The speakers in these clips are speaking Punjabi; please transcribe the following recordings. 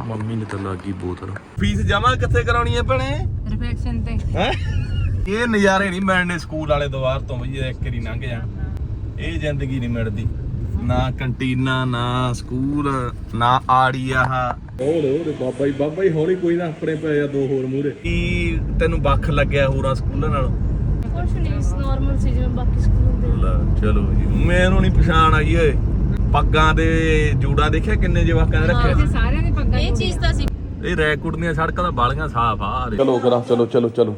ਮੰਮੀ ਨੇ ਤਾਂ ਲੱਗੀ ਬੋਤਲ। ਫੀਸ ਜਮਾ ਕਿੱਥੇ ਕਰਾਉਣੀ ਹੈ ਭੈਣੇ? ਰਿਫੈਕਸ਼ਨ ਤੇ। ਹੈ ਇਹ ਨਜ਼ਾਰੇ ਨਹੀਂ ਮਿਲਣੇ ਸਕੂਲ ਵਾਲੇ ਦੁਆਰ ਤੋਂ ਬਈ, ਇੱਕ ਵਾਰੀ ਲੰਘ ਜਾਣ ਇਹ ਜ਼ਿੰਦਗੀ ਨਹੀਂ ਮਿਲਦੀ। ਨਾ ਕੰਟੀਨਾ, ਨਾ ਸਕੂਲ, ਨਾ ਆੜੀ ਆਹ ਹੋਰ ਬਾਬਾ ਹੀ ਹੌਲੀ ਕੋਈ ਨਾ ਆਪਣੇ ਪਏ ਆ ਦੋ ਹੋਰ ਮੂਹਰੇ। ਕੀ ਤੈਨੂੰ ਵੱਖ ਲੱਗਿਆ ਹੋਰਾਂ ਸਕੂਲਾਂ ਨਾਲੋਂ? ਕੁਛ ਨਹੀਂ, ਨਾਰਮਲ ਸੀ ਜਿਵੇਂ ਬਾਕੀ ਸਕੂਲ ਹੁੰਦੇ। ਚਲੋ ਜੀ, ਮੈਨੂੰ ਨਹੀਂ ਪਛਾਣ ਆਈ ਓਏ। ਪੱਗਾਂ ਦੇ ਜੂੜਾ ਦੇਖਿਆ ਕਿੰਨੇ ਜਵਾਕਾਂ ਨੇ ਰੱਖਿਆ? ਸਾਰਿਆਂ ਦੀ ਪੱਗਾਂ। ਇਹ ਚੀਜ਼ ਤਾਂ ਸੀ। ਇਹ ਰੈਕੋਰਡ ਦੀਆਂ ਸੜਕਾਂ ਤਾਂ ਬਾਲੀਆਂ ਸਾਫ ਆ। ਚਲੋ ਕਰਾਂ, ਚਲੋ ਚਲੋ ਚਲੋ।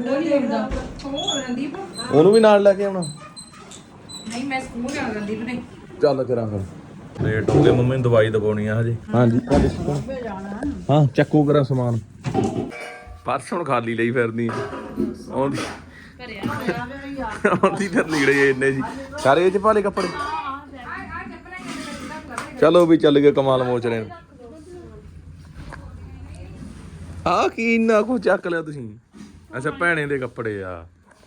ਉਹਨੂੰ ਵੀ ਨਾਲ ਲੈ ਕੇ ਆਉਣਾ? ਨਹੀਂ, ਮੈਂ ਸਕੂਲ ਜਾਣਾ ਰਣਦੀਪ ਨੇ। ਚੱਲ ਕਰਾਂ ਫਿਰ। ਲੇਟ ਹੋ ਗਏ, ਮੰਮੀ ਨੂੰ ਦਵਾਈ ਦਵਾਉਣੀ ਆ ਹਜੇ। ਹਾਂਜੀ ਹਾਂ, ਚੱਕੋ ਕਰਾਂ ਸਮਾਨ। ਪਰਸ ਹੁਣ ਖਾਲੀ ਲਈ ਫਿਰਦੀ ਆਉਂਦੀ ਆਉਂਦੀ ਫਿਰ ਲੀੜੇ ਇੰਨੇ ਜੀ ਸਾਰੇ ਇਹ ਚ ਪਾ ਲਏ ਕੱਪੜੇ। ਚਲੋ ਵੀ ਚੱਲ ਗਏ ਕਮਾਲ ਮੋਚਰੇ ਨੂੰ। ਆ ਕੀ ਇੰਨਾ ਕੁ ਚੱਕ ਲਿਆ ਤੁਸੀਂ? ਅੱਛਾ, ਭੈਣੇ ਦੇ ਕੱਪੜੇ ਆ।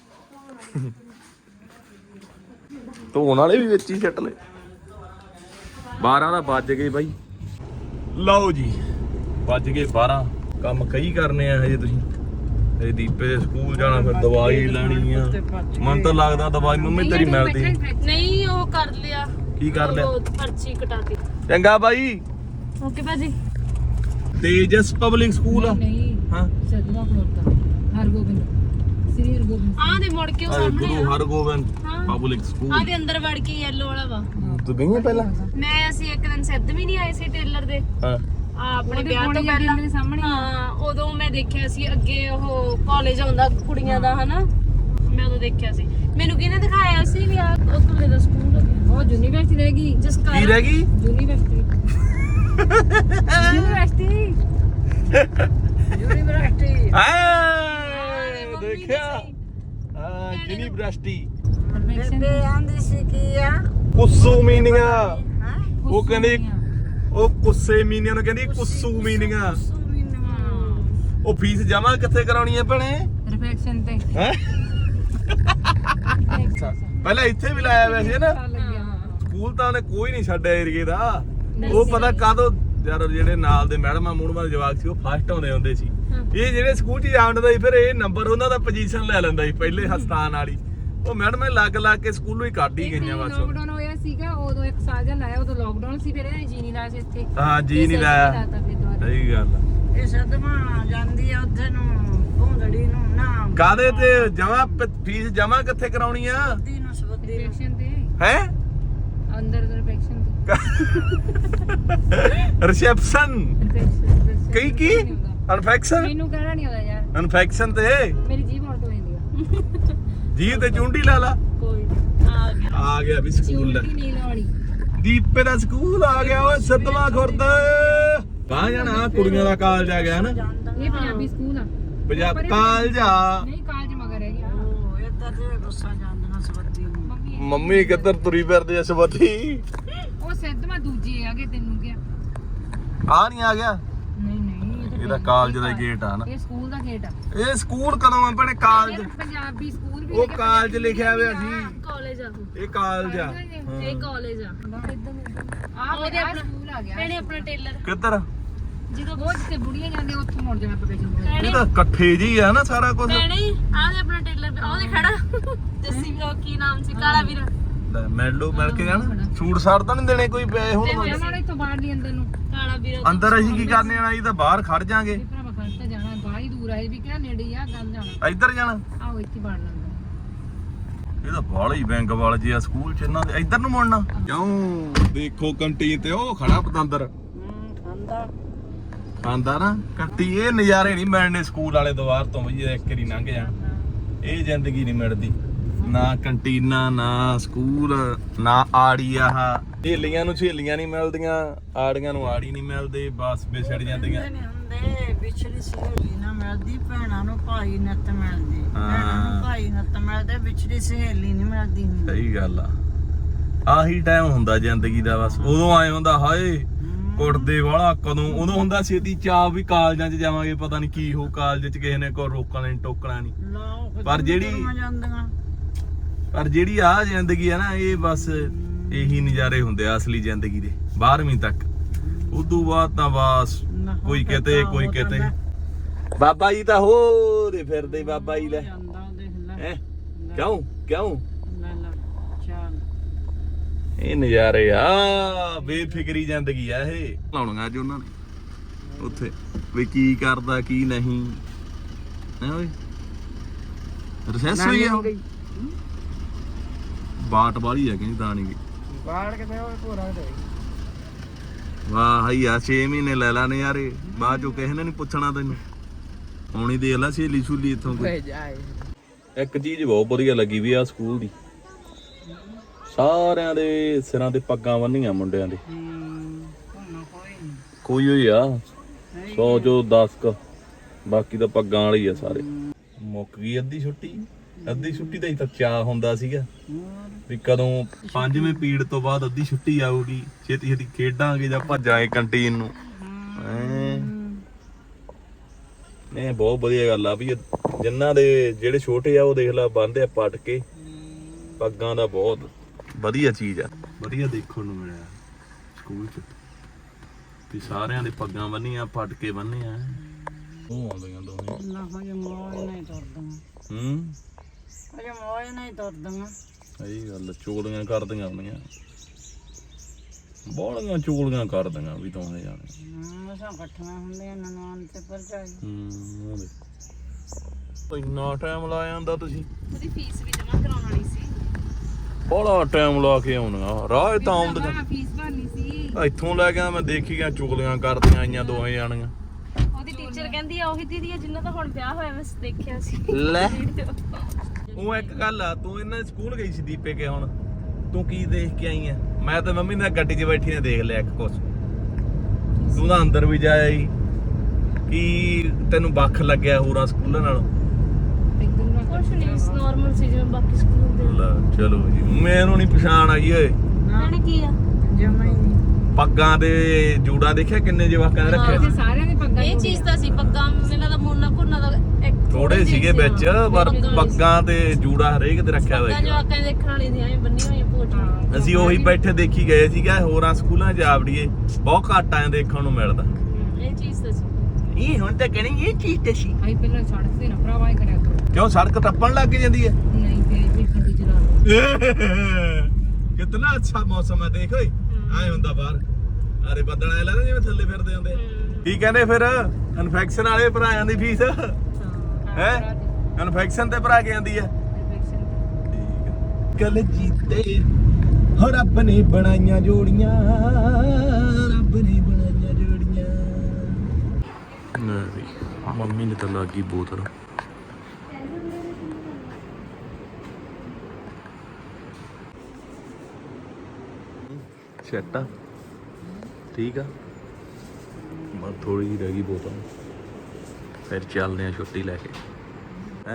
ਧੋਣ ਵਾਲੇ ਵੀ ਵਿੱਚ ਹੀ ਛੱਟ ਲਏ। 12 ਦਾ ਵੱਜ ਗਏ ਬਾਈ। ਲਓ ਜੀ, ਵੱਜ ਗਏ 12। ਕੰਮ ਕਈ ਕਰਨੇ ਆ ਹਜੇ ਤੁਸੀਂ। ਇਹ ਦੀਪੇ ਦੇ ਸਕੂਲ ਜਾਣਾ, ਫਿਰ ਦਵਾਈ ਲੈਣੀ ਆ। ਮਨ ਤਾਂ ਲੱਗਦਾ ਦਵਾਈ ਮੰਮੀ ਤੇਰੀ ਮਿਲਦੀ ਨਹੀਂ। ਉਹ ਕਰ ਲਿਆ। ਕੀ ਕਰ ਲਿਆ? ਪਰਚੀ ਕਟਾਤੀ। ਚੰਗਾ ਬਾਈ। ਓਕੇ ਭਾਜੀ। ਤੇਜਸ ਪਬਲਿਕ ਸਕੂਲ ਆ? ਨਹੀਂ, ਹਾਂ, ਸਦਵਾ ਖਲੋਤਾ ਹਰਗੋਬਿੰਦ, ਸ੍ਰੀ ਹਰਗੋਬਿੰਦ। ਆਹ ਦੇ ਮੁੜ ਕੇ ਉਹ ਸਾਹਮਣੇ ਗੁਰੂ ਹਰਗੋਬਿੰਦ ਪਬਲਿਕ ਸਕੂਲ। ਆਹ ਦੇ ਅੰਦਰ ਵੜ ਕੇ ਯੈਲੋ ਵਾਲਾ ਵਾ। ਤੂੰ ਗਈ ਹੈ ਪਹਿਲਾਂ? ਅਸੀਂ ਇੱਕ ਦਿਨ ਸਿੱਧ ਵੀ ਨਹੀਂ ਆਏ ਸੀ ਟੇਲਰ ਦੇ। ਹਾਂ, ਆਪਣੇ ਵਿਆਹ ਤੋਂ ਪਹਿਲਾਂ ਦੇ ਸਾਹਮਣੇ। ਹਾਂ, ਉਦੋਂ ਮੈਂ ਦੇਖਿਆ ਸੀ ਅੱਗੇ ਉਹ ਕਾਲਜ ਆਉਂਦਾ ਕੁੜੀਆਂ ਦਾ, ਹਨਾ। ਮੈਂ ਉਦੋਂ ਦੇਖਿਆ ਸੀ। ਮੈਨੂੰ ਕਿਹਨੇ ਦਿਖਾਇਆ ਸੀ ਵੀ ਆ ਉੱਥੇ ਦਾ ਸਕੂਲ ਉਹ ਯੂਨੀਵਰਸਿਟੀ ਰਹਿ ਗਈ। ਜਸਕਾਰ ਕੀ ਰਹਿ ਗਈ? ਯੂਨੀਵਰਸਿਟੀ। ਯੂਨੀਵਰਸਿਟੀ ਦੇਖਿਆ? ਹਾਂ, ਯੂਨੀਵਰਸਿਟੀ। ਬੇਬੇ ਆਂਦੀ ਸੀ ਕੀ ਆ ਕੁੱਸੂ ਮੀਨੀਆਂ। ਉਹ ਕਹਿੰਦੇ ਉਹ ਕੁੱਸੇ ਮੀਨੀਆਂ ਨੂੰ ਕਹਿੰਦੀ ਕੁੱਸੂ ਮੀਨੀਆਂ। ਉਹ ਫੀਸ ਜਮਾ ਕਿੱਥੇ ਕਰਾਉਣੀ ਹੈ ਭੈਣੇ? ਰਿਫੈਕਸ਼ਨ ਤੇ। ਹੈ ਪਹਿਲਾਂ ਇੱਥੇ ਵੀ ਲਾਇਆ ਵੈਸੇ ਨਾ ਸਕੂਲ ਤਾਂ ਉਹਨੇ ਕੋਈ ਨਹੀਂ ਛੱਡਿਆ ਏਰੀਏ ਦਾ। ਉਹ ਪਤਾ ਕਾਦੋਂ ਯਾਰ ਜਿਹੜੇ ਨਾਲ ਦੇ ਮੈਡਮਾਂ ਮੂੜਮਾਂ ਦੇ ਜਵਾਕ ਸੀ ਉਹ ਫਸਟ ਆਉਂਦੇ ਹੁੰਦੇ ਸੀ। ਇਹ ਜਿਹੜੇ ਸਕੂਲ 'ਚ ਜਾਂਦਾ ਸੀ ਫਿਰ ਇਹ ਨੰਬਰ ਉਹਨਾਂ ਦਾ ਪੋਜੀਸ਼ਨ ਲੈ ਲੈਂਦਾ ਸੀ ਪਹਿਲੇ ਹਸਤਾਨ ਵਾਲੀ। ਉਹ ਮੈਡਮਾਂ ਲੱਗ ਕੇ ਸਕੂਲੋਂ ਹੀ ਕੱਢ ਹੀ ਗਈਆਂ ਬਸ। ਲੋਕਡਾਊਨ ਹੋਇਆ ਸੀਗਾ ਉਦੋਂ 1 ਸਾਲ ਜਾਂ ਲਾਇਆ, ਉਦੋਂ ਲੋਕਡਾਊਨ ਸੀ। ਫਿਰ ਇਹਨੇ ਜੀ ਨਹੀਂ ਲਾਇਆ ਸੀ ਇੱਥੇ। ਹਾਂ, ਜੀ ਨਹੀਂ ਲਾਇਆ। ਸਹੀ ਗੱਲ ਆ। ਇਹ ਸਦਮਾ ਜਾਂਦੀ ਆ ਉੱਥੇ ਨੂੰ ਭੋਂਦੜੀ ਨੂੰ ਨਾ। ਕਾਦੇ ਤੇ ਜਮਾ ਫੀਸ ਜਮਾ ਕਿੱਥੇ ਕਰਾਉਣੀ ਆ? ਦੀ ਨੂੰ ਸਬਦੀ ਨੂੰ ਰਿਫੈਕਸ਼ਨ ਤੇ ਹੈ ਅੰਦਰ ਰਿਫੈਕਸ਼ਨ ਤੇ ਰਿਸੈਪਸ਼ਨ ਕਈ ਕੀ ਇਨਫੈਕਸ਼ਨ? ਮੈਨੂੰ ਕਹਿਣਾ ਨਹੀਂ ਆਉਂਦਾ ਯਾਰ। ਇਨਫੈਕਸ਼ਨ ਤੇ ਮੇਰੀ ਜੀਭ ਹਟ ਹੋ ਜਾਂਦੀ ਆ। ਜੀ ਤੇ ਚੁੰਡੀ ਲਾ ਲਾ। ਕੋਈ ਆ ਗਿਆ ਵੀ ਸਕੂਲ। ਚੁੰਡੀ ਨਹੀਂ ਲਾਉਣੀ। ਦੀਪੇ ਦਾ ਸਕੂਲ ਆ ਗਿਆ ਓਏ ਸਤਵਾ ਖੁਰਦ। ਬਾਹ ਜਾਣਾ ਕੁੜੀਆਂ ਦਾ ਕਾਲਜ ਆ ਗਿਆ ਨਾ। ਇਹ ਪੰਜਾਬੀ ਸਕੂਲ ਆ। ਪੰਜਾਬ ਕਾਲਜ ਆ। ਨਹੀਂ, ਕਾਲਜ ਮਗਰ ਹੈਗੀ ਆ। ਉਹ ਇੱਧਰ ਦੇ ਗੁੱਸਾ ਜਾਂਦੀਆਂ ਸਬਦੀ ਨੂੰ। ਮੰਮੀ ਕਿੱਧਰ ਤੁਰੀ ਫਿਰਦੀ ਐ ਸਬਤੀ? ਉਹ ਸਿੱਧਵਾਂ ਦੂਜੇ ਆਗੇ। ਤੈਨੂੰ ਕਿਹਾ ਆ ਨਹੀਂ ਆ ਗਿਆ? ਨਹੀਂ ਇਹਦਾ ਕਾਲਜ ਦਾ ਗੇਟ ਆ ਨਾ। ਇਹ ਸਕੂਲ ਦਾ ਗੇਟ ਆ। ਇਹ ਸਕੂਲ ਕਦੋਂ ਆ ਭੈਣੇ? ਕਾਲਜ ਪੰਜਾਬੀ ਸਕੂਲ ਵੀ ਉਹ ਕਾਲਜ ਲਿਖਿਆ ਹੋਇਆ ਸੀ। ਕਾਲਜ ਆ ਇਹ ਕਾਲਜ ਆ। ਇਹ ਕਾਲਜ ਆ। ਉਹਦੇ ਆਪਣਾ ਸਕੂਲ ਆ ਗਿਆ। ਇਹਨੇ ਆਪਣਾ ਟੇਲਰ ਕਿੱਧਰ? ਜਦੋਂ ਬਹੁਤ ਜਿੱਥੇ ਬੁੜੀਆਂ ਜਾਂਦੇ ਉੱਥੋਂ ਮੁੜ ਜਾਣਾ ਪ੍ਰੋਫੈਸ਼ਨ। ਇਹ ਤਾਂ ਇਕੱਠੇ ਜੀ ਆ ਨਾ ਸਾਰਾ ਕੁਝ। ਨਹੀਂ, ਆਹ ਦੇ ਆਪਣਾ ਟੇਲਰ ਉਹਦੇ ਖੜਾ ਜੱਸੀ ਉਹ ਕੀ ਨਾਮ ਸੀ, ਕਾਲਾ ਵੀਰ। ਲੈ ਮਿਲ ਕੇ ਜਾਣਾ। ਸੂਟ ਸਾੜ ਤਾਂ ਨਹੀਂ ਦੇਣੇ ਕੋਈ ਪਏ ਹੁਣ? ਉਹਨਾਂ ਇੱਥੋਂ ਬਾਹਰ ਨਹੀਂ ਅੰਦਰ ਨੂੰ। ਕਾਲਾ ਵੀਰ ਅੰਦਰ ਅਸੀਂ ਕੀ ਕਰਨੇ ਆਣਾ? ਇਹ ਤਾਂ ਬਾਹਰ ਖੜ ਜਾਾਂਗੇ। ਭਰਾਵਾ ਖੜ ਤਾਂ ਜਾਣਾ, ਬਾਹਲੀ ਦੂਰ ਆ। ਇਹ ਵੀ ਕਿਹੜਾ ਨੇੜੇ ਆ। ਗੱਲ ਜਾਣਾ ਇੱਧਰ ਜਾਣਾ। ਆਓ ਇੱਥੇ ਬਾੜ ਲੈਂਦਾ। ਇਹ ਤਾਂ ਬਾਹਲਾ ਹੀ ਬੈਂਕ ਵਾਲ ਜੀ ਆ ਸਕੂਲ ਚ ਇਹਨਾਂ ਦੇ। ਇੱਧਰ ਨੂੰ ਮੁੜਨਾ ਕਿਉਂ? ਦੇਖੋ ਕੰਟੀਨ ਤੇ ਉਹ ਖੜਾ ਪਤੰਦਰ ਖਾਂਦਾ ਨਾ ਕੱਟੀ। ਇਹ ਨਜ਼ਾਰੇ ਨਹੀਂ ਮਿਲਣੇ ਸਕੂਲ ਵਾਲੇ ਦੁਆਰ ਤੋਂ ਬਈ, ਇੱਕ ਵਾਰੀ ਲੰਘ ਜਾਣ ਇਹ ਜ਼ਿੰਦਗੀ ਨਹੀਂ ਮਿਲਦੀ। ਨਾ ਕੰਟੀਨਾ, ਨਾ ਸਕੂਲ, ਨਾ ਆੜੀ ਆਹ। ਸਹੇਲੀਆਂ ਨੂੰ ਸਹੇਲੀਆਂ ਨਹੀਂ ਮਿਲਦੀਆਂ, ਆੜੀਆਂ ਨੂੰ ਆੜੀ ਨਹੀਂ ਮਿਲਦੇ। ਬਸ ਵਿਛੜ ਜਾਂਦੀਆਂ। ਹੁੰਦੇ ਵਿਛੜੀ ਸਹੇਲੀ ਨਾ ਮਿਲਦੀ, ਭੈਣਾਂ ਨੂੰ ਭਾਈ ਨੱਤ ਮਿਲਦੀ। ਭੈਣਾਂ ਨੂੰ ਭਾਈ ਨੱਤ ਮਿਲਦੇ, ਵਿਛੜੀ ਸਹੇਲੀ ਨਹੀਂ ਮਿਲਦੀ। ਸਹੀ ਗੱਲ ਆ। ਆਹੀ ਟਾਈਮ ਹੁੰਦਾ ਜ਼ਿੰਦਗੀ ਦਾ। ਬਸ ਉਦੋਂ ਆਏ ਹੁੰਦਾ ਹਾਏ ਕੁੱਟਦੇ ਵਾਲਾ ਕਦੋਂ। ਉਦੋਂ ਹੁੰਦਾ ਛੇਤੀ ਚਾਹ ਵੀ ਕਾਲਜਾਂ 'ਚ ਜਾਵਾਂਗੇ, ਪਤਾ ਨਹੀਂ ਕੀ ਹੋ ਕਾਲਜ 'ਚ ਕਿਸੇ ਨੇ ਕੋਈ ਰੋਕਣਾ ਨਹੀਂ ਟੋਕਣਾ ਨਹੀਂ। ਪਰ ਜਿਹੜੀ ਆਹ ਜ਼ਿੰਦਗੀ ਆ ਨਾ, ਇਹ ਬਸ ਇਹੀ ਨਜ਼ਾਰੇ ਹੁੰਦੇ ਆ ਅਸਲੀ ਜ਼ਿੰਦਗੀ ਦੇ 12ਵੀਂ ਤੱਕ। ਉਦੋਂ ਬਾਅਦ ਤਾਂ ਬਸ ਨਾ, ਕੋਈ ਫਿਰ ਕਿਤੇ ਤਾਂ ਕੋਈ ਉਹ ਤਾਂ ਕਿਤੇ ਮੈਂ- ਬਾਬਾ ਜੀ ਤਾਂ ਹੋਰੇ ਫਿਰਦੇ ਬਾਬਾ ਜੀ ਲੈ ਜਾਂਦਾ ਦੇਖ ਲੈ ਹੈ ਕਿਉਂ ਕਿਉਂ ਲੈ ਲੈ ਚੱਲ ਇਹ ਨਜ਼ਾਰੇ ਆ ਬੇਫਿਕਰੀ ਜ਼ਿੰਦਗੀ ਆ ਇਹ ਲਾਉਣੀਆਂ ਅੱਜ ਉਹਨਾਂ ਨੇ ਉੱਥੇ ਵੀ ਕੀ ਕਰਦਾ ਕੀ ਨਹੀਂ ਹੈ ਓਏ ਰਸੈਸ ਹੋਈ ਆ ਬਾਟ ਵਾਲੀ ਆ ਕਹਿੰਦੀ ਤਾਂ ਨਹੀਂ ਗਈ ਬਾੜ ਕੇ ਤੇ ਉਹ ਪੂਰਾ ਦੇ ਵਾਹ ਹਈਆ 6 ਮਹੀਨੇ ਲੈ ਲਾਣੇ ਯਾਰੇ ਬਾਅਦ ਚੋਂ ਕਿਸੇ ਨੇ ਨਹੀਂ ਪੁੱਛਣਾ ਤੈਨੂੰ ਹੁਣ ਹੀ ਦੇਖ ਲੈ ਸਹੇਲੀ ਸੁਲੀ ਇੱਥੋਂ ਕੋਈ ਜਾਏ ਇੱਕ ਚੀਜ਼ ਬਹੁਤ ਵਧੀਆ ਲੱਗੀ ਵੀ ਆ ਸਕੂਲ ਦੀ ਸਾਰਿਆਂ ਦੇ ਸਿਰਾਂ ਤੇ ਪੱਗਾਂ ਬੰਨੀਆਂ ਮੁੰਡਿਆਂ ਦੇ ਕੋਈ ਹੋਈ ਆ 100 ਚੋਂ 10 ਕ ਬਾਕੀ ਤਾਂ ਪੱਗਾਂ ਵਾਲੀ ਆ ਸਾਰੇ ਮੁੱਕ ਗਈ ਅੱਧੀ ਛੁੱਟੀ ਦਾ ਹੀ ਤਾਂ ਚਾਅ ਹੁੰਦਾ ਸੀਗਾ ਵੀ ਕਦੋਂ 5ਵੇਂ ਪੀੜ ਤੋਂ ਬਾਅਦ ਅੱਧੀ ਛੁੱਟੀ ਆਊਗੀ ਛੇਤੀ ਛੇਤੀ ਖੇਡਾਂਗੇ ਜਾਂ ਭੱਜਾਂਗੇ ਕੰਟੀਨ ਨੂੰ ਇਹ ਬਹੁਤ ਵਧੀਆ ਗੱਲ ਆ ਵੀ ਜਿਨ੍ਹਾਂ ਦੇ ਜਿਹੜੇ ਛੋਟੇ ਆ ਉਹ ਦੇਖ ਲਾ ਬੰਨ੍ਹਦੇ ਆ ਪੱਟ ਕੇ ਪੱਗਾਂ ਦਾ ਬਹੁਤ ਵਧੀਆ ਚੀਜ਼ ਆ ਵਧੀਆ ਦੇਖਣ ਨੂੰ ਮਿਲਿਆ ਸਕੂਲ 'ਚ ਵੀ ਸਾਰਿਆਂ ਦੇ ਪੱਗਾਂ ਬੰਨੀਆਂ ਪੱਟ ਕੇ ਬੰਨੇ ਆ ਉਹ ਆਉਂਦੀਆਂ ਦੋਵੇਂ ਨਾ ਹਜੇ ਮੋਜ ਨਹੀਂ ਤੁਰਦੀਆਂ ਹਜੇ ਮੋਜ ਨਹੀਂ ਤੁਰਦੀਆਂ ਸਹੀ ਗੱਲ ਚੁਗਲੀਆਂ ਕਰਦੀਆਂ ਹੁੰਦੀਆਂ ਬਾਹਲੀਆਂ ਚੁਗਲੀਆਂ ਕਰਦੀਆਂ ਵੀ ਦੋਵੇਂ ਜਾਣੇ ਮਸਾਂ ਇਕੱਠੀਆਂ ਹੁੰਦੀਆਂ ਨਨਾਣ ਤੇ ਭਰਜਾਈ ਇੰਨਾ ਟਾਈਮ ਲਾ ਜਾਂਦਾ ਤੁਸੀਂ ਉਹਦੀ ਫੀਸ ਵੀ ਜਮ੍ਹਾਂ ਕਰਾਉਣ ਵਾਲੀ ਸੀ ਬੜਾ ਟਾਈਮ ਲਾ ਕੇ ਆਉਣਾ ਰਾਹ ਤਾਂ ਆਉਂਦੀਆਂ ਫੀਸ ਭਰਨੀ ਸੀ ਇੱਥੋਂ ਲੈ ਕੇ ਮੈਂ ਦੇਖੀ ਗਿਆ ਚੁਗਲੀਆਂ ਕਰਦੀਆਂ ਆਈਆਂ ਦੋਵੇਂ ਜਾਣੀਆਂ ਉਹਦੀ ਟੀਚਰ ਕਹਿੰਦੀ ਆ ਉਹੀ ਦੀਦੀ ਆ ਜਿੰਨਾ ਦਾ ਹੁਣ ਵਿਆਹ ਹੋਇਆ ਮੈਂ ਦੇਖਿਆ ਸੀ ਲੈ ਉਹ ਇੱਕ ਗੱਲ ਆ ਤੂੰ ਇਹਨਾਂ ਦੇ ਸਕੂਲ ਗਈ ਸੀ ਦੀਪੇ ਕੇ ਹੁਣ ਤੂੰ ਕੀ ਦੇਖ ਕੇ ਆਈ ਆ ਮੈਂ ਤਾਂ ਮੰਮੀ ਨਾਲ ਗੱਡੀ 'ਚ ਬੈਠੀ ਨੇ ਦੇਖ ਲਿਆ ਇੱਕ ਕੁਛ ਤੂੰ ਤਾਂ ਅੰਦਰ ਵੀ ਜਾਇਆ ਹੀ ਕੀ ਤੈਨੂੰ ਵੱਖ ਲੱਗਿਆ ਹੋਰਾਂ ਸਕੂਲਾਂ ਨਾਲੋਂ ਕੁਛ ਨਹੀਂ ਨਾਰਮਲ ਸੀ ਜਿਵੇਂ ਬਾਕੀ ਸਕੂਲ ਹੁੰਦੇ ਲੈ ਚਲੋ ਜੀ ਮੈਨੂੰ ਨਹੀਂ ਪਛਾਣ ਆਈ ਓਏ ਨਾਲੇ ਕੀ ਆ ਜਮਾ ਹੀ ਨਹੀਂ ਪੱਗਾਂ ਦੇ ਜੂੜਾ ਦੇਖਿਆ ਕਿੰਨੇ ਜਵਾਕਾਂ ਨੇ ਰੱਖਿਆ ਸਾਰਿਆਂ ਦੇ ਪੱਗਾਂ ਇਹ ਚੀਜ਼ ਤਾਂ ਸੀ ਪੱਗਾਂ ਇਹਨਾਂ ਦਾ ਮੋਨਾ ਭੁੰਨਾ ਦਾ ਥੋੜੇ ਸੀਗੇ ਵਿੱਚ ਪਰ ਪੱਗਾਂ ਤੇ ਜੂੜਾ ਹਰੇਕ ਤੇ ਰੱਖਿਆ ਹੋਇਆ ਜਵਾਕਾਂ ਦੇ ਦੇਖਣ ਵਾਲੀ ਦੀਆਂ ਬੰਨੀਆਂ ਹੋਈਆਂ ਪੋਚੀਆਂ ਅਸੀਂ ਉਹੀ ਬੈਠੇ ਦੇਖੀ ਗਏ ਸੀਗਾ ਹੋਰਾਂ ਸਕੂਲਾਂ 'ਚ ਜਾਵੜੀਏ ਬਹੁਤ ਘੱਟ ਆਏ ਦੇਖਣ ਨੂੰ ਮਿਲਦਾ ਇਹ ਚੀਜ਼ ਤਾਂ ਸੀ ਇਹ ਹੁਣ ਤਾਂ ਕਹਿੰਦੇ ਇਹ ਚੀਜ਼ ਤੇ ਸੀ ਆਈ ਪਹਿਲਾਂ ਸੜਕ ਤੇ ਨਾ ਭਰਾਵਾ ਹੀ ਕਰਿਆ ਕਰੋ ਕਿਉਂ ਸੜਕ ਟੱਪਣ ਲੱਗ ਜਾਂਦੀ ਹੈ ਨਹੀਂ ਤੇ ਗੱਡੀ ਚਲਾ ਲਓ ਕਿੰਨਾ ਅੱਛਾ ਮੌਸਮ ਹੈ ਦੇਖ ਓਏ ਆਏ ਹੁੰਦਾ ਬਾਹਰ ਅਰੇ ਬੱਦਲ ਆਏ ਲੱਗਦਾ ਜਿਵੇਂ ਥੱਲੇ ਫਿਰਦੇ ਹੁੰਦੇ ਕੀ ਕਹਿੰਦੇ ਫਿਰ ਇਨਫੈਕਸ਼ਨ ਵਾਲੇ ਭਰਾਇਆਂ ਦੀ ਫੀਸ ਹੈ ਇਨਫੈਕਸ਼ਨ ਤੇ ਭਰਾ ਕੇ ਆਂਦੀ ਹੈ ਠੀਕ ਹੈ ਕਲ ਜੀਤੇ ਹੋ ਰੱਬ ਨੇ ਬਣਾਈਆਂ ਜੋੜੀਆਂ ਰੱਬ ਨੇ ਬਣਾਈਆਂ ਜੋੜੀਆਂ ਨਹੀਂ ਮੰਮੀ ਨੇ ਤਾਂ ਲੱਗੀ ਬੋਤਲ ਛੱਟਾ ਠੀਕ ਆ ਮੈਂ ਥੋੜੀ ਜਿਹੀ ਰਹਿ ਗਈ ਬੋਤਲ ਫਿਰ ਚੱਲਦੇ ਆ ਛੁੱਟੀ ਲੈ ਕੇ ਹੈ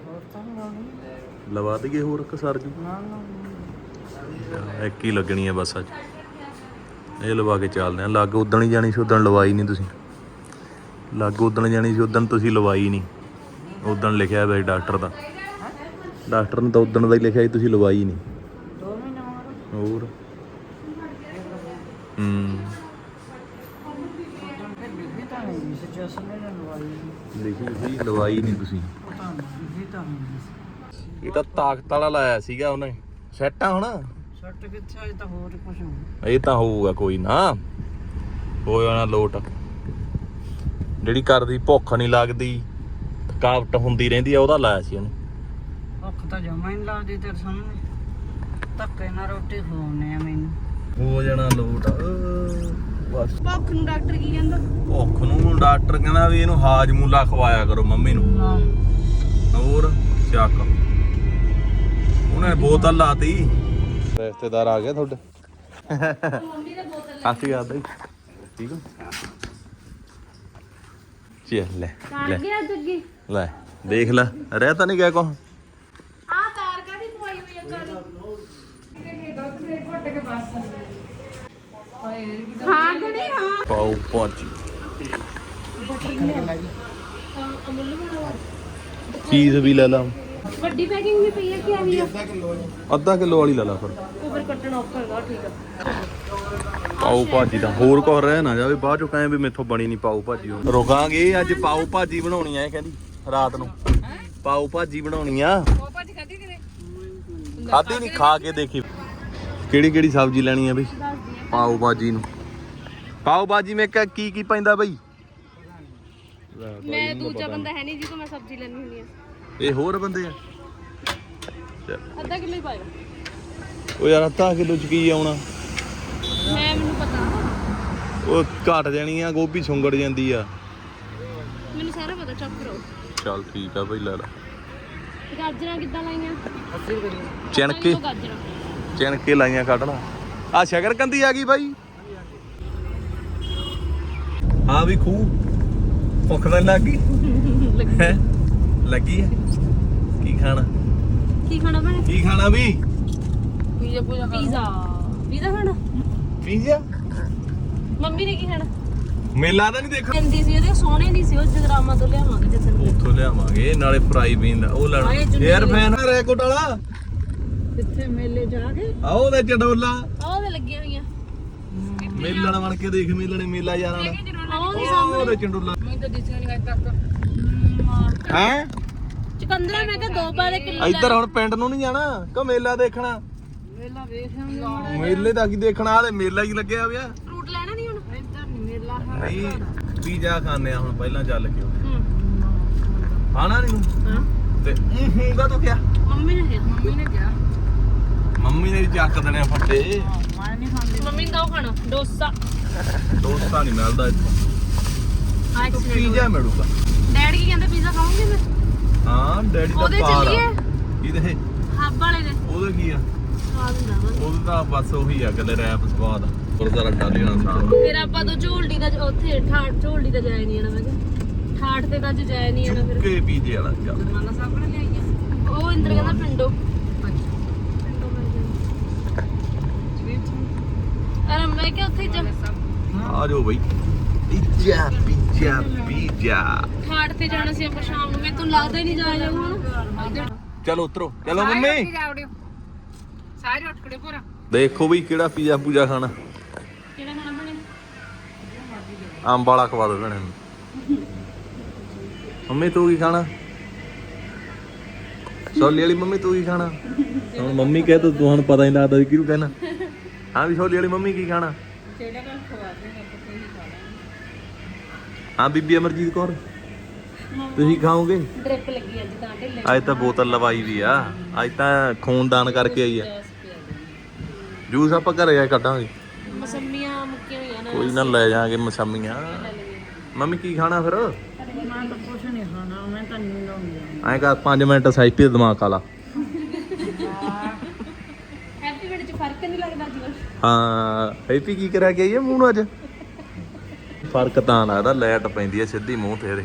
ਲਵਾ ਦਈਏ ਹੋਰ ਇੱਕ ਸਰ ਜੂ ਇੱਕ ਹੀ ਲੱਗਣੀ ਆ ਬਸ ਅੱਜ ਇਹ ਲਵਾ ਕੇ ਚੱਲਦੇ ਆ ਲੱਗ ਉਦਣ ਹੀ ਜਾਣੀ ਸੀ ਉਦਣ ਲਵਾਈ ਨਹੀਂ ਤੁਸੀਂ ਲੱਗ ਉਦਣ ਜਾਣੀ ਸੀ ਉਦਣ ਤੁਸੀਂ ਲਵਾਈ ਨਹੀਂ ਉਦਣ ਲਿਖਿਆ ਹੋਇਆ ਡਾਕਟਰ ਨੇ ਤਾਂ ਉਦਣ ਦਾ ਹੀ ਲਿਖਿਆ ਸੀ ਤੁਸੀਂ ਲਵਾਈ ਨਹੀਂ 2 ਮਹੀਨੇ ਹੋਰ ਲਿਖੀ ਤਾਂ ਨਹੀਂ ਸੀ ਜਸਨ ਨੇ ਲਵਾਈ ਲਿਖੀ ਸੀ ਲਵਾਈ ਨਹੀਂ ਤੁਸੀਂ ਪਤਾ ਨਹੀਂ ਲਿਖੀ ਤਾਂ ਨਹੀਂ ਇਹ ਤਾਂ ਤਾਕਤ ਵਾਲਾ ਲਾਇਆ ਸੀਗਾ ਉਹਨੇ ਸੈੱਟ ਆ ਹੁਣ ਸੱਟ ਕਿੱਥੇ ਅਜੇ ਤਾਂ ਹੋਰ ਕੁਝ ਹੋ ਇਹ ਤਾਂ ਹੋਊਗਾ ਕੋਈ ਨਾ ਹੋ ਜਾਣਾ ਲੋਟ ਜਿਹੜੀ ਕਰਦੀ ਭੁੱਖ ਨਹੀਂ ਲੱਗਦੀ ਥਕਾਵਟ ਹੁੰਦੀ ਰਹਿੰਦੀ ਆ ਉਹਦਾ ਲਾਇਆ ਸੀ ਉਹਨੇ ਭੁੱਖ ਤਾਂ ਜਮਾ ਹੀ ਨਹੀਂ ਲੱਗਦੀ ਤੇਰੇ ਸਾਹਮਣੇ ਧੱਕੇ ਨਾਲ ਰੋਟੀ ਖਵਾਉਣੇ ਆ ਮੈਨੂੰ ਹੋ ਜਾਣਾ ਲੋਟ ਬਸ ਭੁੱਖ ਨੂੰ ਡਾਕਟਰ ਕੀ ਕਹਿੰਦਾ ਭੁੱਖ ਨੂੰ ਡਾਕਟਰ ਕਹਿੰਦਾ ਵੀ ਇਹਨੂੰ ਹਾਜਮੂਲਾ ਖਵਾਇਆ ਕਰੋ ਮੰਮੀ ਨੂੰ ਹੋਰ ਚੱਕ ਉਹਨੇ ਬੋਤਲ ਲਾਤੀ ਰਿਸ਼ਤੇਦਾਰ ਆ ਗਿਆ ਤੁਹਾਡੇ ਕਾਫੀ ਆਦਾ ਹੀ ਠੀਕ ਆ ਚੱਲ ਲੈ ਤਾਰ ਗਿਆ ਜੱਗੀ ਲੈ ਦੇਖ ਲੈ ਰਹਿ ਤਾਂ ਨਹੀਂ ਗਿਆ ਕੋ ਆ ਤਾਰ ਕਾਦੀ ਪਵਾਈ ਹੋਈ ਆ ਕਾਲੀ ਹਾਂ ਗੜੀ ਹਾਂ ਪਾਉ ਪਹੁੰਚੀ ਅਮੁੱਲ ਵਾਲਾ ਚੀਜ਼ ਵੀ ਲੈ ਲਾ ਵੱਡੀ ਪੈਕਿੰਗ ਵੀ ਪਈ ਹੈ ਕਿ ਆਹੀ ਆ ਅੱਧਾ ਕਿਲੋ ਵਾਲੀ ਲੈ ਲਾ ਫਿਰ ਉਹ ਫਿਰ ਕੱਟਣਾ ਔਖਾ ਹੈਗਾ ਠੀਕ ਆ ਪਾਓ ਭਾਜੀ ਦਾ ਹੋਰ ਕੁਝ ਰਹਿ ਨਾ ਜਾਵੇ ਬਾਅਦ ਚੋਂ ਕਹੇ ਵੀ ਮੇਥੋਂ ਬਣੀ ਨਹੀਂ ਪਾਓ ਭਾਜੀ ਹੁਣ ਰੁਕਾਂਗੇ ਅੱਜ ਪਾਓ ਭਾਜੀ ਬਣਾਉਣੀ ਆ ਇਹ ਕਹਿੰਦੀ ਰਾਤ ਨੂੰ ਪਾਓ ਭਾਜੀ ਬਣਾਉਣੀ ਆ ਉਹ ਭਾਜੀ ਖਾਦੀ ਕਿਨੇ ਖਾਦੀ ਨਹੀਂ ਖਾ ਕੇ ਦੇਖੀ ਕਿਹੜੀ ਕਿਹੜੀ ਸਬਜ਼ੀ ਲੈਣੀ ਆ ਬਈ ਪਾਓ ਭਾਜੀ ਨੂੰ ਪਾਓ ਭਾਜੀ ਮੇ ਕੀ ਕੀ ਪੈਂਦਾ ਬਈ ਮੈਂ ਦੂਜਾ ਬੰਦਾ ਹੈ ਨਹੀਂ ਜਿਹਨੂੰ ਮੈਂ ਸਬਜ਼ੀ ਲੈਣੀ ਹੁੰਦੀ ਆ ਇਹ ਹੋਰ ਬੰਦੇ ਆ ਅੱਧਾ ਕਿਲੋ ਹੀ ਪਾਇਓ ਉਹ ਯਾਰ ਅੱਧਾ ਕਿਲੋ ਚ ਕੀ ਆਉਣਾ ਮੈਨੂੰ ਪਤਾ ਉਹ ਘਟ ਜਾਣੀ ਆ ਗੋਭੀ ਸੁੰਗੜ ਜਾਂਦੀ ਆ ਮੈਨੂੰ ਸਾਰਾ ਪਤਾ ਚੱਪ ਕਰੋ ਚੱਲ ਠੀਕ ਆ ਬਈ ਲੈ ਲੈ ਗਾਜਰਾਂ ਕਿੱਦਾਂ ਲਾਈਆਂ 80 ਰੁਪਏ ਦੀ ਚਿਣਕੇ ਗਾਜਰਾਂ ਚਿਣਕੇ ਲਾਈਆਂ ਕੱਢ ਲਾ ਆ ਸ਼ਕਰਕੰਦੀ ਆ ਗਈ ਬਾਈ ਹਾਂ ਵੀ ਖੂ ਭੁੱਖ ਤਾਂ ਲੱਗ ਗਈ ਹੈਂ? ਲੱਗੀ ਆ ਕੀ ਖਾਣਾ ਭੈਣੇ ਕੀ ਖਾਣਾ ਵੀ ਪੀਜ਼ਾ ਪੂਜਾ ਪੀਜ਼ਾ ਖਾਣਾ ਪੀਜ਼ਾ ਮੰਮੀ ਨੇ ਕੀ ਖਾਣਾ ਮੇਲਾ ਤਾਂ ਨਹੀਂ ਦੇਖਣ ਕਹਿੰਦੀ ਸੀ ਉਹਦੇ ਸੋਹਣੇ ਨਹੀਂ ਸੀ ਉਹ ਜਗਰਾਮਾ ਤੋਂ ਲਿਆਵਾਂਗੇ ਜਸਨ ਨੂੰ ਉੱਥੋਂ ਲਿਆਵਾਂਗੇ ਨਾਲੇ ਫਰਾਈ ਬੀਨ ਦਾ ਉਹ ਲੈਣਾ 에ਅਰ ਫੈਨ ਰੈਕੋਟ ਵਾਲਾ ਕਿੱਥੇ ਮੇਲੇ ਜਾ ਕੇ ਆ ਉਹਦੇ ਚਡੋਲਾ ਉਹਦੇ ਲੱਗੀਆਂ ਹੋਈਆਂ ਮੇਲਣ ਬਣ ਕੇ ਦੇਖ ਮੇਲਣੇ ਮੇਲਾ ਯਾਰਾਂ ਦਾ ਉਹਦੇ ਉਹਦੇ ਚੰਡੋਲਾ ਮੈਂ ਤਾਂ ਦਿਸਿਆ ਨਹੀਂ ਅਜੇ ਤੱਕ ਹੈ ਚਕੰਦਰਾ ਮੈਂ ਕਿਹਾ 2 ਬਾਰੇ ਕਿਲੋ ਇੱਧਰ ਹੁਣ ਪਿੰਡ ਨੂੰ ਨਹੀਂ ਜਾਣਾ ਕਿ ਮੇਲਾ ਦੇਖਣਾ ਮੇਲਾ ਵੇਖਾਂਗੇ ਮੇਲੇ ਦਾ ਕੀ ਦੇਖਣਾ ਆਲੇ ਮੇਲਾ ਹੀ ਲੱਗਿਆ ਪਿਆ ਫਰੂਟ ਲੈਣਾ ਨਹੀਂ ਹੁਣ ਇੱਧਰ ਨਹੀਂ ਮੇਲਾ ਨਹੀਂ ਪੀਜ਼ਾ ਖਾਣੇ ਆ ਹੁਣ ਪਹਿਲਾਂ ਚੱਲ ਕੇ ਹੂੰ ਖਾਣਾ ਨਹੀਂ ਹਾਂ ਤੇ ਹੂੰਗਾ ਤੂੰ ਕਿਆ ਮੰਮੀ ਨੇ ਕਿਹਾ ਮੰਮੀ ਨੇ ਵੀ ਚੱਕ ਦੇਣੇ ਆ ਫੱਟੇ ਮੈਂ ਨਹੀਂ ਖਾਂਦੀ ਮੰਮੀ ਨੇ ਤਾਂ ਉਹ ਖਾਣਾ ਡੋਸਾ ਦੋਸਤਾਂ ਨਹੀਂ ਮਿਲਦਾ ਇੱਥੋਂ ਪੀਜ਼ਾ ਮਿਲੂਗਾ ਡੈਡੀ ਕੀ ਕਹਿੰਦੇ ਪੀਜ਼ਾ ਖਾਓਗੇ ਮੈਂ ਹਾਂ ਡੈਡੀ ਦਾ ਉਹਦੇ ਪਾਰ ਚੱਲੀਏ ਇਹਦੇ ਹੱਬ ਵਾਲੇ ਦੇ ਉਹਦੇ ਕੀ ਆ ਸਵਾਦ ਹੁੰਦਾ ਵਾ ਉਹਦੇ ਤਾਂ ਬਸ ਉਹੀ ਆ ਗੱਲੇ ਰੈਪ ਸਵਾਦ ਗੁਰਦਾਰਾ ਡਾਲੀ ਨਾਲ ਸਾਹ ਫਿਰ ਆਪਾਂ ਤੋਂ ਝੋਲਡੀ ਦਾ ਉੱਥੇ ਠਾਠ ਝੋਲਡੀ ਦਾ ਜਾਇਆ ਨਹੀਂ ਆਣਾ ਮੈਂ ਕਿਹਾ ਠਾਠ ਤੇ ਤਾਂ ਅੱਜ ਜਾਇਆ ਨਹੀਂ ਆਣਾ ਫਿਰ ਕੇ ਪੀਜ਼ੇ ਵਾਲਾ ਚੱਲ ਮਾਲਾ ਸਾਹਿਬ ਨੇ ਲਿਆਈਆਂ ਉਹ ਇੰਦਰ ਕਹਿੰਦਾ ਪਿੰਡੋਂ ਅਰੇ ਮੈਂ ਕਿਹਾ ਉੱਥੇ ਜਾ ਆ ਜਾਓ ਬਈ ਪੀਜ਼ਾ ਪੀਜ਼ਾ ਪੀਜ਼ਾ ਠਾਠ ਤੇ ਜਾਣਾ ਸੀ ਆਪਾਂ ਸ਼ਾਮ ਨੂੰ ਮੈਨੂੰ ਲੱਗਦਾ ਹੀ ਨਹੀਂ ਜਾਇਆ ਜਾਊਗਾ ਹੁਣ ਚਲੋ ਉਤਰੋ ਚਲੋ ਮੰਮੀ ਸਾਰੇ ਉੱਠ ਖੜੇ ਪੂਰਾ ਦੇਖੋ ਬਈ ਕਿਹੜਾ ਪੀਜ਼ਾ ਪੂਜਾ ਖਾਣਾ ਕਿਹੜਾ ਖਾਣਾ ਬਣੇ ਅੰਬ ਵਾਲਾ ਖਵਾ ਦੋ ਭੈਣੇ ਨੂੰ ਮੰਮੀ ਤੂੰ ਕੀ ਖਾਣਾ ਛੋਲੇ ਵਾਲੀ ਮੰਮੀ ਤੂੰ ਕੀ ਖਾਣਾ ਹੁਣ ਮੰਮੀ ਕਹੇ ਤਾਂ ਤੁਹਾਨੂੰ ਪਤਾ ਹੀ ਲੱਗਦਾ ਕਿਹਨੂੰ ਕਹਿਣਾ ਹਾਂ ਵੀ ਛੋਲੇ ਵਾਲੀ ਮੰਮੀ ਕੀ ਖਾਣਾ ਕਿਹੜਾ ਕੰਮ ਖਵਾ ਦੇਗਾ ਆਪਾਂ ਕੋਈ ਖਾ ਲਾਂਗੇ ਹਾਂ ਬੀਬੀ ਅਮਰਜੀਤ ਕੌਰ ਤੁਸੀਂ ਖਾਓਗੇ ਡ੍ਰਿਪ ਲੱਗੀ ਅੱਜ ਤਾਂ ਢਿੱਲੇ ਅੱਜ ਤਾਂ ਬੋਤਲ ਲਵਾਈ ਵੀ ਆ ਅੱਜ ਤਾਂ ਖੂਨ ਦਾਨ ਕਰਕੇ ਆਈ ਆ ਜੂਸ ਆਪਾਂ ਘਰੇ ਜਾ ਕੇ ਕੱਢਾਂਗੇ ਮਸੰਮੀਆਂ ਮੁੱਕੀਆਂ ਹੋਈਆਂ ਨਾ ਕੋਈ ਨਾ ਲੈ ਜਾਾਂਗੇ ਮਸਾਮੀਆਂ ਮੰਮੀ ਕੀ ਖਾਣਾ ਫਿਰ ਮੈਂ ਤਾਂ ਕੁਛ ਨਹੀਂ ਖਾਣਾ ਮੈਂ ਤਾਂ ਨੀਂਦ ਆਉਂਦੀ ਆ ਐਂ ਕਰ 5 ਮਿੰਟ ਸਾਈਪੀ ਦਾ ਦਿਮਾਗ ਖਾ ਲਾ ਹੈਪੀ ਬਰਥਡੇ ਚ ਫਰਕ ਨਹੀਂ ਲੱਗਦਾ ਜੀ ਹਾਂ ਹੈਪੀ ਕੀ ਕਰਿਆ ਗਿਆ ਇਹ ਮੂੰਹ ਨੂੰ ਅੱਜ ਫਰਕ ਤਾਂ ਲੱਗਦਾ ਲਾਈਟ ਪੈਂਦੀ ਐ ਸਿੱਧੀ ਮੂੰਹ ਤੇਰੇ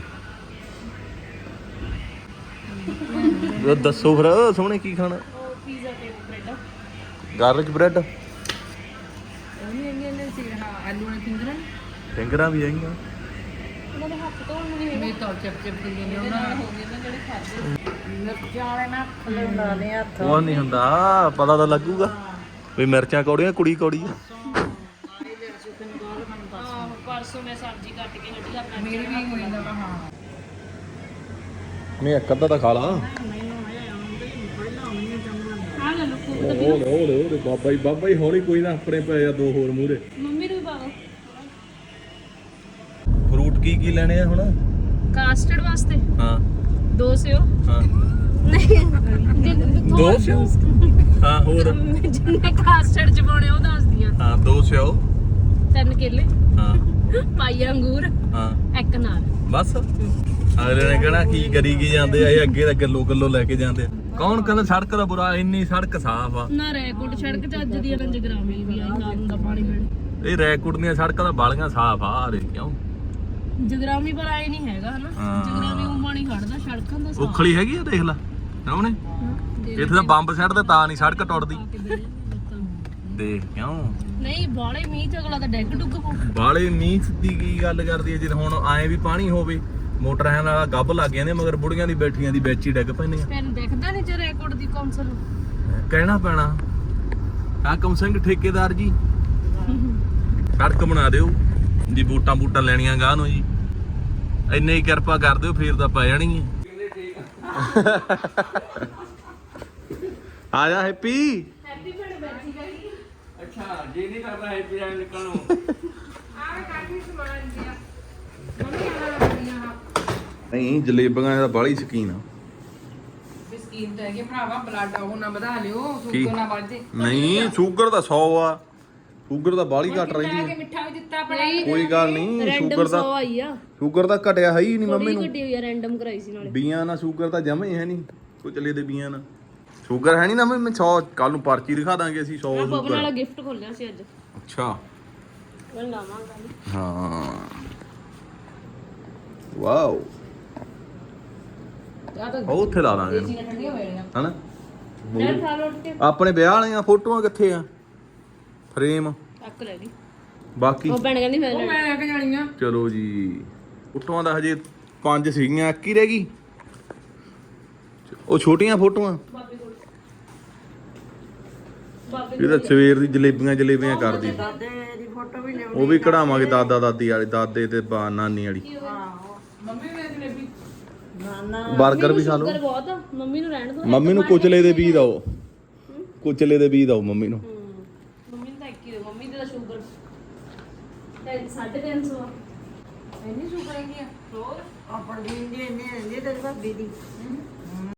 ਉਹ ਦੱਸੋ ਫਿਰ ਸੋਹਣੇ ਕੀ ਖਾਣਾ ਉਹ ਪੀਜ਼ਾ ਤੇ ਬ੍ਰੈਡ ਗਾਰਲਿਕ ਬ੍ਰੈਡ ਉਹਨੇ ਇਹਨੇ ਸੀ ਹਾਂ ਆਲੂ ਨੇ ਫਿੰਗਰਾਂ ਫਿੰਗਰਾਂ ਵੀ ਆਈਆਂ ਉਹਨਾਂ ਦੇ ਹੱਥ ਧੋਣ ਨੂੰ ਨਹੀਂ ਮੇ ਤਾਂ ਚਿਪ ਚਿਪ ਕਰੀ ਜਾਂਦੇ ਉਹਨਾਂ ਨਾਲ ਹੋ ਗਏ ਨਾ ਜਿਹੜੇ ਖਾਦੇ ਮਿਰਚਾਂ ਵਾਲੇ ਨਾ ਥੱਲੇ ਲਾ ਦੇ ਹੱਥ ਉਹ ਨਹੀਂ ਹੁੰਦਾ ਪਤਾ ਤਾਂ ਲੱਗੂਗਾ ਵੀ ਮਿਰਚਾਂ ਕੌੜੀਆਂ ਕੁੜੀ ਕੌੜੀ ਆ ਆਹ ਪਰਸੋਂ ਮੈਂ ਸਬਜ਼ੀ ਕੱਟ ਕੇ ਹੱਡੀ ਆਪਣਾ ਮੇਰੀ ਵੀ ਹੋ ਜਾਂਦਾ ਵਾ, ਹਾਂ ਨਹੀਂ ਇੱਕ ਅੱਧਾ ਤਾਂ ਖਾ ਲਾ ਆ ਲੈ ਲੋ ਫੂਡ ਓਲੇ ਬਾਬਾ ਹੀ ਹੌਲੀ ਕੋਈ ਨਾ ਆਪਣੇ ਪਏ ਆ ਦੋ ਹੋਰ ਮੂਰੇ ਮੰਮੀ ਨੂੰ ਵੀ ਪਾ ਦੋ ਫਰੂਟ ਕੀ ਲੈਣੇ ਆ ਹੁਣ ਕਾਸਟਰਡ ਵਾਸਤੇ ਹਾਂ 2 ਸਿਓ ਹਾਂ ਨਹੀਂ ਦੋ ਸਿਓ ਹਾਂ ਹੋਰ ਜਿੰਨੇ ਕਾਸਟਰਡ ਚ ਪਾਉਣੇ ਉਹ ਦੱਸਦੀਆਂ ਹਾਂ 2 ਸਿਓ 3 ਕੇਲੇ ਹਾਂ ਪਾਈ ਅੰਗੂਰ ਹਾਂ ਇੱਕ ਨਾਲ ਬਸ ਅਗਲੇ ਨੇ ਕਹਿਣਾ ਕੀ ਕਰੀ ਕੀ ਜਾਂਦੇ ਆ ਇਹ ਅੱਗੇ ਤਾਂ ਗੱਲੋ ਲੈ ਕੇ ਜਾਂਦੇ ਆ ਕੌਣ ਕਹਿੰਦਾ ਸੜਕ ਦਾ ਬੁਰਾ ਇੰਨੀ ਸੜਕ ਸਾਫ਼ ਆ ਨਾ ਰੈਕੋਟ ਸੜਕ ਚ ਅੱਜ ਦੀ ਰੰਜ ਗ੍ਰਾਮੀ ਵੀ ਆਈ ਨਾਲ ਹੁੰਦਾ ਪਾਣੀ ਮਿਲ ਇਹ ਰੈਕੋਟ ਦੀਆਂ ਸੜਕਾਂ ਤਾਂ ਬਾਲੀਆਂ ਸਾਫ਼ ਆ ਰੇ ਕਿਉਂ ਜਗਰਾਮੀ ਪਰ ਆਏ ਨਹੀਂ ਹੈਗਾ ਹਨਾ ਜਗਰਾਮੀ ਉਹ ਪਾਣੀ ਖੜਦਾ ਸੜਕਾਂ ਦਾ ਸਾਫ਼ ਉਖਲੀ ਹੈਗੀ ਆ ਦੇਖ ਲੈ ਸਾਹਮਣੇ ਇੱਥੇ ਤਾਂ ਬੰਬ ਸੱਟਦੇ ਤਾਂ ਨਹੀਂ ਸੜਕ ਟੁੱਟਦੀ ਦੇਖ ਕਿਉਂ ਨਹੀਂ ਬਾਲੇ ਮੀਂਹ ਚ ਅਗਲਾ ਤਾਂ ਡੈਗ ਡੁੱਗ ਪੋ ਬਾਲੇ ਮੀਂਹ ਦੀ ਕੀ ਗੱਲ ਕਰਦੀ ਹੈ ਜੇ ਹੁਣ ਆਏ ਵੀ ਪਾਣੀ ਹੋਵੇ ਮੋਟਰਾਂ ਨਾਲ ਗੱਬ ਲੱਗ ਜਾਂਦੇ ਮਗਰ ਬੁੜੀਆਂ ਦੀ ਬੈਠੀਆਂ ਦੀ ਵਿੱਚ ਹੀ ਡਿੱਗ ਪੈਂਦੀਆਂ ਤੈਨੂੰ ਦਿਖਦਾ ਨਹੀਂ ਜੇ ਰੈਕੋਟ ਦੀ ਕੌਂਸਲ ਕਹਿਣਾ ਪੈਣਾ ਹਾਕਮ ਸਿੰਘ ਠੇਕੇਦਾਰ ਜੀ ਕੜਕ ਬਣਾ ਦਿਓ ਜੀ। ਬੂਟਾਂ ਲੈਣੀਆਂ ਗਾਹ ਨੂੰ ਜੀ, ਇੰਨੇ ਹੀ ਕਿਰਪਾ ਕਰ ਦਿਓ ਫੇਰ ਤਾਂ ਪੈ ਜਾਣੀ ਹੈ। ਆ ਜਾ ਹੈਪੀ। ਹੈਪੀ ਬਣ ਬੈਠੀ ਗਈ। ਅੱਛਾ ਜੇ ਨਹੀਂ ਕਰਦਾ ਹੈ ਪਿਆ ਨਿਕਲਣੋਂ ਆਹ ਕਾਫੀ ਸਮਾਨ ਦਿਆ ਮੰਮੀ ਆਹ ਬੜੀਆਂ ਨਹੀਂ ਜਲੇਬੀਆਂ ਦਾ ਬਾਹਲੀ ਸ਼ਕੀਨ ਆ। ਬਿਸਕੀਟ ਹੈਗੇ ਭਰਾਵਾ, ਬਲੱਡ ਉਹ ਨਾ ਵਧਾ ਲਿਓ, ਕੀ? ਸ਼ੂਗਰ ਨਾ ਵੱਧ ਜੇ। ਨਹੀਂ ਸ਼ੂਗਰ ਤਾਂ 100 ਆ, ਸ਼ੂਗਰ ਤਾਂ ਬਾਹਲੀ ਘਟ ਰਹਿੰਦੀ ਕਿ ਹੈ। ਮਿੱਠਾ ਵੀ ਦਿੱਤਾ ਬੜਾ ਕੋਈ ਗੱਲ ਨਹੀਂ, ਰੈਂਡਮ ਸ਼ੂਗਰ 100 ਦਾ ਆਈ ਆ, ਸ਼ੂਗਰ ਤਾਂ ਘਟਿਆ ਹੈ ਹੀ ਨਹੀਂ ਮੰਮੀ ਥੋੜੀ ਨੂੰ। ਗੱਡੀ ਹੋਈ ਆ, ਰੈਂਡਮ ਕਰਾਈ ਸੀ ਨਾਲੇ। ਬੀਆਂ ਨਾਲ ਸ਼ੂਗਰ ਤਾਂ ਜਮਾ ਹੀ ਹੈ ਨਹੀਂ, ਕੁਚਲੇ ਦੇ ਬੀਆਂ ਨਾਲ ਸ਼ੂਗਰ ਹੈ ਨਹੀਂ ਨਾ। ਮੈਂ 100 ਕੱਲ ਨੂੰ ਪਰਚੀ ਦਿਖਾ ਦਾਂਗੇ ਅਸੀਂ 100 ਆ ਪਵਨ ਵਾਲਾ ਸ਼ੂਗਰ। ਗਿਫਟ ਖੋਲਿਆ ਸੀ ਅੱਜ, ਅੱਛਾ ਮੈਂ ਲਾਵਾਂਗਾ। ਹਾਂ ਵਾਓ, ਆ ਤਾਂ ਉਹ ਉੱਥੇ ਲਾ ਦਾਂਗੇ ਦੇਸੀ ਠੰਡੀਆਂ ਹੋ ਜਾਣੀਆਂ। ਹਨਾ। ਨਾਲ ਖਾ ਲੋ ਉੱਠ ਕੇ, ਆਪਣੇ ਵਿਆਹ ਵਾਲੀਆਂ ਫੋਟੋਆਂ ਕਿੱਥੇ ਆ, ਫਰੇਮ ਅੱਕ ਲੈ ਗਈ। ਬਾਕੀ ਉਹ ਭੈਣ ਕਹਿੰਦੀ ਉਹ ਫਿਰ ਮੈਂ ਲੈ ਕੇ ਜਾਣੀਆਂ। ਚਲੋ ਜੀ, ਫੋਟੋਆਂ ਦਾ ਹਜੇ 5 ਸੀਗੀਆਂ, ਇੱਕ ਹੀ ਰਹਿ ਗਈ। ਉਹ ਛੋਟੀਆਂ ਫੋਟੋਆਂ ਬਾਬੇ ਕੋਲ, ਬਾਬੇ ਇਹ ਤਾਂ ਸਵੇਰ ਦੀ ਜਲੇਬੀਆਂ ਕਰਦੀ। ਦਾਦੇ ਦੀ ਫੋਟੋ ਵੀ ਲਿਆਉਣੀ। ਉਹ ਵੀ ਕਢਾਵਾਂਗੇ ਦਾਦਾ ਦਾਦੀ ਵਾਲੀ, ਦਾਦੇ ਤੇ ਨਾਨੀ ਵਾਲੀ। ਆਹੋ ਮੰਮੀ ਨੇ ਜਲੇਬੀ ਨਾਨਾ 버ਗਰ ਵੀ ਖਾ ਲਓ। ਸ਼ੂਗਰ ਬਹੁਤ ਆ, ਮੰਮੀ ਨੂੰ ਰਹਿਣ ਦੋ। ਮੰਮੀ ਨੂੰ ਕੁਚਲੇ ਦੇ ਬੀਜ ਦਿਓ, ਕੁਚਲੇ ਦੇ ਬੀਜ ਦਿਓ ਮੰਮੀ ਨੂੰ। ਮੰਮੀ ਨੂੰ ਤਾਂ ਇੱਕ ਹੀ ਦਿਓ, ਮੰਮੀ ਦੀ ਤਾਂ ਸ਼ੂਗਰ 350 ਆ। ਇੰਨੀ ਸ਼ੂਗਰ ਹੈਗੀ ਆ। ਹੋਰ ਆਪਣੀ ਦੀ ਇੰਨੀ ਰਹਿੰਦੀ ਤੇਰੀ ਭਾਬੀ ਦੀ।